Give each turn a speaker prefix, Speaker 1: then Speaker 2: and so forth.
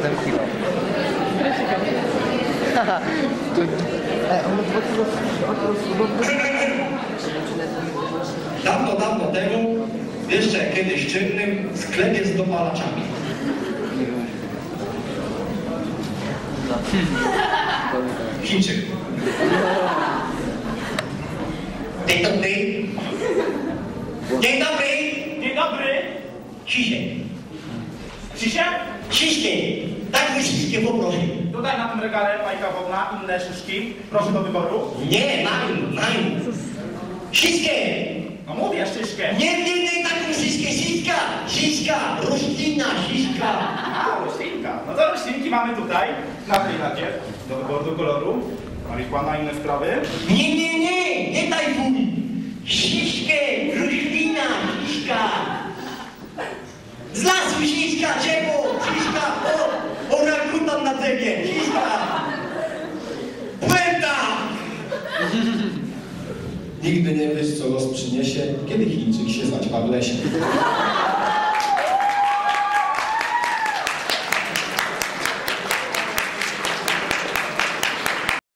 Speaker 1: 7 kilo. Haha.
Speaker 2: Dawno, dawno temu, jeszcze kiedyś czynnym, sklepie z dopalaczami. Chińczyk. Dzień dobry. Dzień dobry.
Speaker 3: Dzień dobry.
Speaker 2: Ciszej.
Speaker 3: Cisie?
Speaker 2: Ciszej. Tak wyśliskie poproszę.
Speaker 3: Tutaj na tym regale fajka wodna, inne szyszki. Proszę do wyboru.
Speaker 2: Nie, mają. Śliskie.
Speaker 3: No mówię, szyszkę.
Speaker 2: Nie, taką siśka, roślina, siśka.
Speaker 3: A, roślinka. No to roślinki mamy tutaj, na tej ladzie. Do wyboru do koloru. Marihuana, inne sprawy.
Speaker 2: Nie tajfun. Siśkę, roślina, siśka. Z lasu siśka, drzewo, siśka, orakutan na drzewie, siśka. Puenta!
Speaker 4: Nigdy nie wiesz, co los przyniesie, kiedy Chińczyk się zaćpa w lesie.